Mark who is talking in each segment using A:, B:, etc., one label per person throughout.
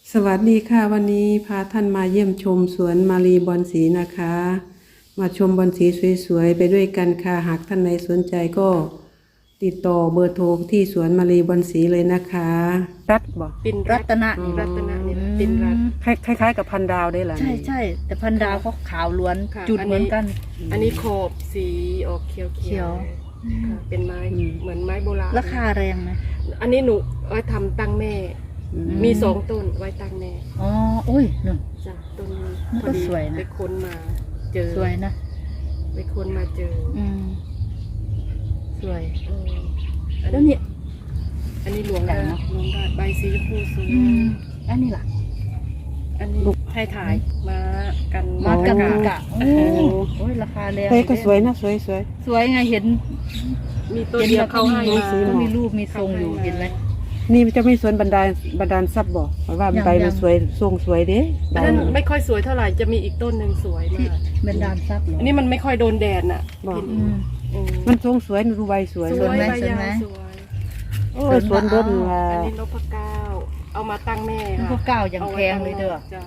A: สวัสดีค่ะวันนี้พาท่านมาเยี่ยมชมสวนมารีบอนสีนะคะ มาชมบอนสีสวยๆไปด้วยกันค่ะหากท่านใดสนใจก็ติดต่อเบอร์โทรที่สวนมารีบอนสีเลยนะคะรัดบอก
B: ปิ่น
C: รัตนะ
B: รัตนะนี่แหละปิ่นรัต
A: คล้ายๆกับพันดาวได้เหรอ
C: ใช่ใช่แต่พันดาวเขาขาวล้วน
B: ค่ะ
C: จุดเหมือนกัน
B: อันนี้ขอบสีออกเขียว
C: เขียว
B: ค่ะเป็นไม้เหมือนไม้โบราณ
C: ราคาแรงไหม
B: อันนี้หนูไว้ทำตั้งแม่ มี2 ต้นไว้ตั้งแม่
C: อ๋ออุ้ยนึ่ง
B: จ้ะต้นนี้
C: มันก็สวยนะ
B: ไปค้นมาเจอ
C: สวยนะ
B: ไปค้นมาเจอ
C: สวย
B: อัน
C: แล้ว
B: นี้
C: เนี่ย
B: อันนี้หลวง
C: ดั
B: ได้
C: งเนอะ
B: หลวงได้ใบสีชมพูสวย
C: อันนี้ล่ะ
B: อันนี้ให้ถ่ายมากัน
C: มากัน
B: กะ
C: กะโอ้โอ้ยราคาแรง
A: เฮ้ยก็สวยนะสวย
C: สวยไงเห็น
B: มีตัวเดียวเขาให้มา
C: ก็มีรูปมีทรงอยู่เห็นไหม
A: ๆนี่มันจะไม่สวนบันดาลซับบอกเพราะว่า
C: ยัง
A: ใบมันสวยทรงสวยเด้
B: อันนั้นไม่ค่อยสวยเท่าไหร่จะมีอีกต้นหนึ่งสวย
C: ที่
B: มาก
C: เป็นดานซับเหรอ
B: อันนี้มันไม่ค่อยโดนแดดน่ะ
A: บอก
B: พี่
C: อื
B: นี่
C: ม
B: อืม
A: มันทรงสวยดูใบสวย
B: ส
C: ส
B: ว
C: วย ยไหม
B: ใบ
C: สวยไหม
B: ยาวสวย
A: โอ้ยสวนรถว่า
B: อันนี้นพเก้าเอามาตั้งแม่ค่ะ
C: พวกเก้าอย่างแพงเลยเด้อ
B: จ้ะ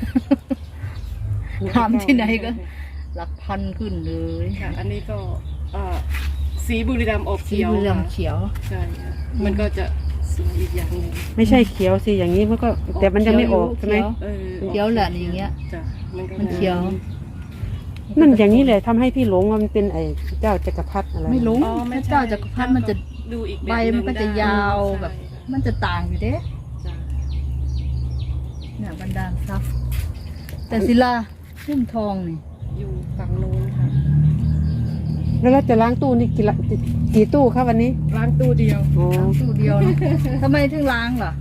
C: ทำที่ไหนก็หลักพันขึ้นเลย
B: ค่ะอันนี้ก็สีบุรีรัมย์ออก
C: สี
B: เขียว
C: เหลือง
B: ค่ะ
C: เขียว
B: ใช่ค่ะมันก็จะสวยอีกอย่างหนึ่ง
A: ไม่ใช่เขียวสิอย่างนี้มันก็แต่มันยังไม่ออกใช่ไหม
B: เออ
C: เขียวแหละอย่างเงี้ย
B: จ้ะมันก็
C: มันเขียว
A: นั่นอย่างนี้เลยทำให้พี่หลงว่ามันเป็นไอ้เจ้าจักรพรรดิอะไร
C: ไม่รู้
B: อ๋อไม่
C: พระ
B: ใช่
C: เจ้าจักรพรรดิมันจะ
B: ดูอีก
C: ใบมันก็จะยาวแบบ มันจะต่างอยู่เด้
B: จ้ะ
C: เนี่ยบรรดาลทรัพย์แต่ศิลาหุ้มทองนี่
B: อยู่ฝั่งนู้นค่ะ
A: แล้วเราจะล้างตู้นี่กี่ตู้ครับวันนี้
B: ล้างตู้เดียว
A: อ๋อ
C: ล้างตู้เดียวนะทำไมถึงล้างล่ะ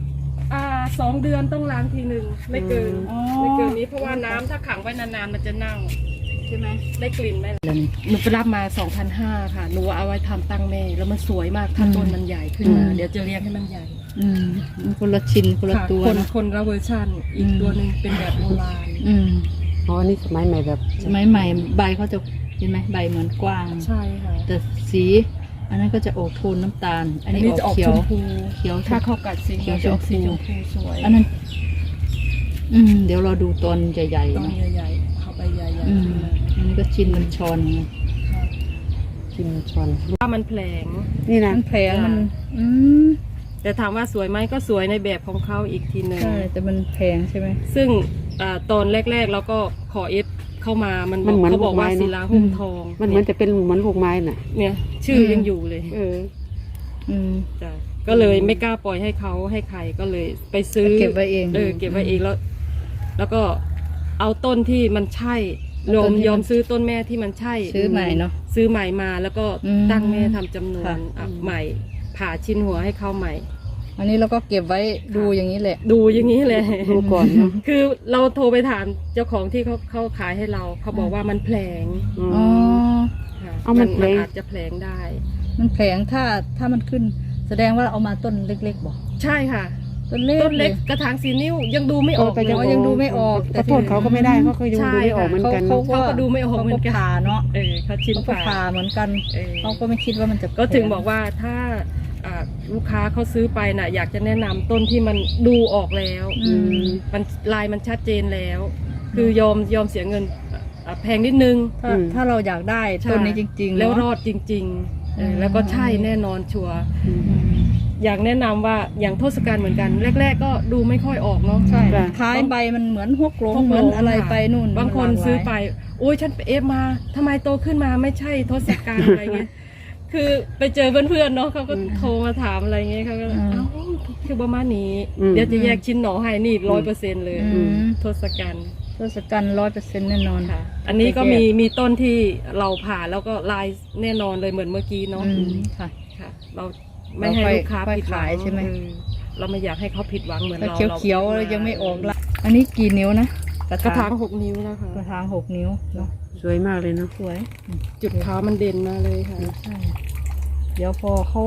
B: 2 เดือนต้องล้างทีหนึ่งไม่เกิน
C: อ๋อ
B: ไม่เกินนี้เพราะว่าน้ำถ้าขังไว้นานๆมันจะเน่า
C: ใช่ไหม
B: ได้กลิ่นไหมหนูไปรับมา 2,500 ค่ะหนูเอาไว้ทำตั้งแม่แล้วมันสวยมากถ้าต้นมันใหญ่ขึ้นมาเดี๋ยวจะเลี้ยงให้มันใหญ่
C: มันคนละชิ้นคนละ
B: ค่ะ
C: ตัว
B: คน
C: นะ
B: คนละเวอร์ชันอีกตัวหนึ่งเป็นแบบโบราณ
A: อ๋ออันนี้สมัยใหม่แบบ
C: สมัยใหม่ใบเขาจะเห็นไหมใบเหมือนกว้าง
B: ใช่ค่ะ
C: แต่สีอันนั้นก็จะออกโทนน้ำตาล อันนี้ออก
B: จะออก
C: เขีย
B: ช
C: ว
B: มพู
C: เขียว
B: ถ้าเข้ากัดสี
C: เขียว
B: จะออกสี
C: ช
B: ช
C: ม
B: ม
C: พู
B: พูสวย
C: อันนั้น เดี๋ยวเราดูตอนใหญ่
B: ต้
C: ๆ
B: น
C: นะ
B: ใหญ่ๆเข้าไปใหญ่ๆ
C: อืมอันนี้ก็ชิ้นมันชอนไง
A: กินชอน
B: ว่ามันแผลง
A: นี่นะ
C: มันแผลงมัน
B: แต่ถามว่าสวยไหมก็สวยในแบบของเขาอีกทีหนึ่ง
C: ใช่แต่มันแพงใช่ไหม
B: ซึ่งตอนแรกๆเราก็ขอเอสเข้ามามัน
A: มันเหมือน
B: เขาบอกว่า
A: ลูกไม้เนอะ
B: ศิลาหุ้มทอง
A: มันเหมือนจะเป็นเหมือนลูกไม้น่ะ
B: เนี่ยชื่อยังอยู่เลย
A: เออ
C: อืม
B: จ้ะก็เลยไม่กล้าปล่อยให้เขาให้ใครก็เลยไปซื้อ
C: เก็บไว้เอง
B: เก็บไว้เองแล้ว แล้วก็เอาต้นที่มันใช่
C: เอาต้นที่มัน
B: ยอมซื้อต้นแม่ที่มันใช่
C: ซื้อใหม่เนอะ
B: ซื้อใหม่มาแล้วก็
C: อืม
B: ตั้งแม่ทำจำนวน
C: ค่ะ
B: ใหม่ ผ่าชิ้นหัวให้เขาใหม่
C: อันนี้เราก็เก็บไว้ดูอย่างนี้แหละ
B: ดูอย่างนี้เลย
A: ดูก่อนเนาะ
B: คือเราโทรไปถามเจ้าของที่เขาขายให้เราเขาบอกว่ามันแผลง
C: อ๋อ
B: ค่ะ
A: เอามันแผลง
B: อาจจะแผลงได้
C: มันแผงถ้ามันขึ้น แสดงว่าเอามาต้นเล็กๆบอก
B: ใช่ค่ะ
C: ต้นเล็ก
B: ต้นเล็กกระถาง4 นิ้วยังดูไม่ออก
A: ก็
B: เลย
C: ยังดูไม่ออก
A: ขอโทษเขาก็ไม่ได้เพราะเขายังดูไม่ออกเหมือนกัน
B: เขาก็ดูไม่ออกเหมือนกัน
C: ขาผ่าเนาะ
B: เขาชิ้น
C: เขาก็ผ่า
B: ผ่า
C: เหมือนกัน
B: เออ
C: เขาก็ไม่คิดว่ามันจะ
B: ก็ถึงบอกว่าถ้าลูกค้าเขาซื้อไปน่ะอยากจะแนะนำต้นที่มันดูออกแล้ว
C: อืม
B: มันลายมันชัดเจนแล้ว คือยอมเสียเงินแพงนิดนึง
C: ถ้าเราอยากได้ต้นนี้จริงๆ
B: แล้ว
C: เนอะ
B: รอดจริงๆแล้วก็ใช่แน่นอนชัวร์
C: อืม
B: อยากแนะนำว่าอย่างทศกัณฐ์เหมือนกัน แรก ๆ ก็ดูไม่ค่อยออกเนาะ
C: ใช่
A: ค่ะ
C: ท้ายใบมันเหมือนฮกลง
B: ฮกลง
C: เหมือนอะไร
B: ค่ะ
C: ไปนู่น
B: บางคน
C: หลกหลย
B: ซื้อไปโอ้ยฉันไปเอฟมาทำไมโตขึ้นมาไม่ใช่ทศกัณฐ์อะไรเงี้ย คือไปเจอเพื่อนๆเนาะเขาก็โทรมาถามอะไรเงี้ยเขาก็เอ้าคือประมาณนี้ เดี๋ยวจะแยกชิ้นหนอให้นี่100%เลย
C: อืม
B: ทศกัณฐ์
C: ทศกัณฐ์100%แน่นอน
B: ค่ะ อันนี้ก็มีต้นที่เราผ่าแล้วก็ลายแน่นอนเลยเหมือนเมื่อกี้เนาะ
C: อืมค่ะ
B: ค่ะ เราไม่ให้ลูกค้า
C: ค่อย
B: ผิดหวั
C: ขาง ยใช่ไหม
B: เราไม่อยากให้เขาผิดหวังเหมือน
C: แล้ว
B: เรา
C: เขียวๆยังไม่ออกละอันนี้กี่นิ้วนะ
B: กระถาง6 นิ้วนะคะ
C: กระถาง6 นิ้วเนาะ
A: สวยมากเลยเนาะ
C: สวย
B: จุดขาวมันเด่นมาเลยค่ะ
C: ใช่เดี๋ยวพอเขา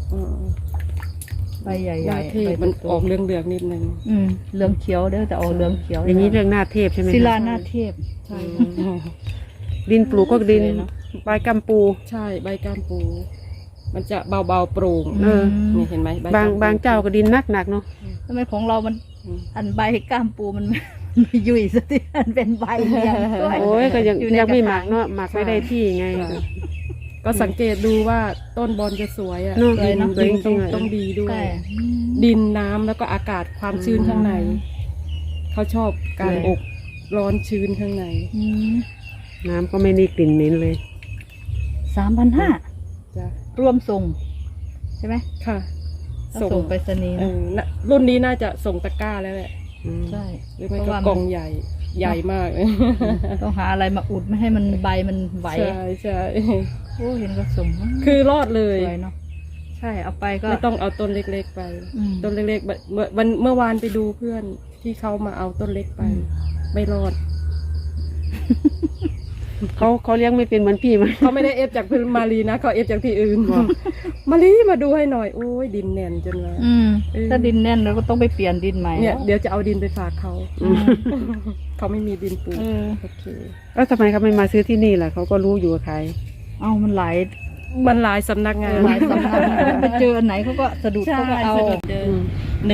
C: ใบใหญ่
B: หน้า
C: ๆ
B: เทพ
C: ใบ
B: มัน
C: โต
B: ออกเหลืองๆนิดนึง
C: เหลืองเขียวเด้อแต่ออกเหลืองเขียว
A: อย่างนี้เรื่องหน้าเทพใช่ไหม
C: ศิ
A: คะ
C: ลาหน้าเทพ
B: ใช่
A: ดินปลูกก็ดิน
C: สวยเนอะ
A: ใบกำปู
B: ใช่ใบก้ามปู มันจะเบาๆโปร่ง
A: เออ
B: นี่เห็นไหมใบบ
A: าง
B: ก้มปู
A: บางเจ้าก็ดินหนักเนาะ
C: ทำไมของเรามันอันใบก้ามปูมัน ไม่ยุ่ยสักทีอันเป็นใบอย่างด้วย
A: โอ้ยก็ยัง
C: อยู่ใน
A: ยังไม่
C: กระ
A: ห
C: ถา
A: มักเนาะหมักไม่ได้ที่ไง
B: ก็สังเกตดูว่าต้นบอลจะสวยอ่ะ
A: เนอะ
B: ดิน
A: สวย
B: ดิน
A: จริงๆ
B: ต้องดีด้วย
C: ใช่
B: ดินน้ำแล้วก็อากาศความชื้นข้างใน เขาชอบการอบร้อนชื้นข้างใน
A: น้ำก็ไม่มีกลิ่นเหม็นเลย
C: 3,500
B: จ้ะ
C: รวมส่งใช่ไหม
B: ค่ะ
C: ต้องส่งไปรษณีย์
B: เอ
C: นะ
B: อน่ะรุ่นนี้น่าจะส่งตะกร้าแล้วแหละ
C: ใช่
B: หรือไม่
C: เพราะ
B: ก็
C: ว่าก
B: ล่องใหญ่ใหญ่มากเลย
C: ต้องหาอะไรมาอุดไม่ให้มันใบมันไหว
B: ใช่ใช่
C: โอ้เห็นก็ส่ง
B: คือรอดเลย
C: สวยเนาะใช่เอาไปก็
B: ไม่ต้องเอาต้นเล็กๆไป
C: อืม
B: ต้นเล็กๆแบบเมื่อวานไปดูเพื่อนที่เขามาเอาต้นเล็กไป ไม่รอด
A: เขาเลี้ยงไม่เป็นเหมือนพี่มั้ย
B: เขาไม่ได้เอฟจากพื้นมารีนะเขาเอฟจากที่อื่นมารีมาดูให้หน่อยโอ้ยดินแน่นจนว่า
C: ถ้าดินแน่นเราก็ต้องไปเปลี่ยนดินใหม่
B: เนี่ยเดี๋ยวจะเอาดินไปฝากเขา
C: อืม
B: เขาไม่มีดินปลูก
C: เออ
B: โอเค
A: แล้วทำไมเขาไม่มาซื้อที่นี่ล่ะเขาก็รู้อยู่ว่าขาย
C: เอามันหลาย
B: มันหลายสำนักงาน
C: หลายสำนักไปเจออันไหนเขาก็สะดุด
B: ใช่
C: เขาก็เอา
B: สะดุดเดินห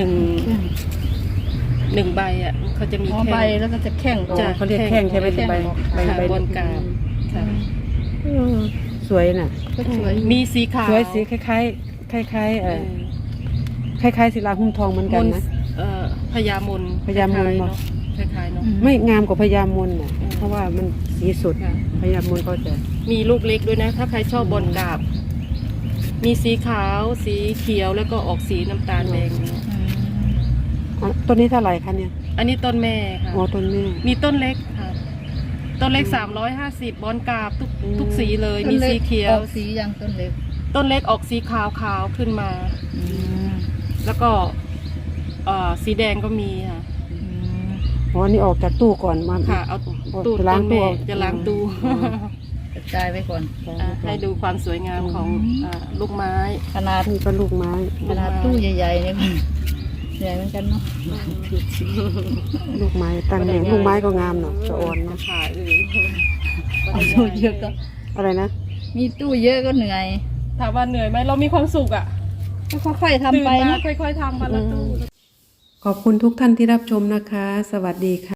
B: นึ่งใบอ่ะเขาจะมี
C: อ๋อ
B: แค่
C: ใบแล้วก็จะแข้ง
B: จ้ะ
A: เขาเรียกแข้งใช่ไหม
B: แข้ง
A: ใบ
B: ค่ะ
A: ใบ
B: บนกราบค่ะ
A: สวยน่ะ
C: ก็สวย
B: มีสีขาว
A: สวยสีคล้ายๆคล้ายๆคล้ายๆศิลาหุ้มทองเหมือนกันนะ
B: พญามน
A: พญามน
B: คล้ายๆเนาะ
A: ไม่งามกว่าพญามนน่ะเพราะว่ามันสีสด
B: ค่ะ
A: พญามนก็จะ
B: มีลูกเล็กด้วยนะ ถ้าใครชอบบนกราบ มีสีขาว สีเขียวแล้วก็ออกสีน้ำตาลแดงเนี่ย
A: อ๋อต้นนี้เท่าไหร่คะเนี่ย
B: อันนี้ต้นแม่ค่ะ
A: อ๋อต้นแม่
B: มีต้นเล็กค่ะ ต้นเล็ก350บอนกราบทุกสีเลย มีสีเขียว
C: ออกสีอย่างต้นเล็ก
B: ต้นเล็กออกสีขาวขึ้นมา แล้วก็สีแดงก็มีค่ะ
A: อ๋อนี่ออกจากตู้ก่อนมา
B: ค่ะ เอาตู้
A: จะล้าง
B: ต้น
A: ตู้
B: แม่จะล้างตู้
C: กระจายไว้ก่อน
B: ให้ดูความสวยงามของลูกไม้
C: ขนาด
A: นี่ก็ลูกไม้
C: ขนาดตู้ใหญ่ๆเนี่ยใหญ่เหมือนกันเนาะ
A: ลูกไม้ตั้งแหน่งลูกไม้ก็งามเนาะจะอ่อนเนาะ
B: ค่ะ
C: เอาตู้เยอะก็
A: อะไรนะ
C: มีตู้เยอะก็เหนื่อย
B: ถามว่าเหนื่อยไหมเรามีความสุขอ่ะ
C: ก็ค่อยๆทำ
B: ตื่น
C: ไป
B: มา
C: นะ
B: ค่อยๆทำวันละตู้
A: ขอบคุณทุกท่านที่รับชมนะคะ สวัสดีค่ะ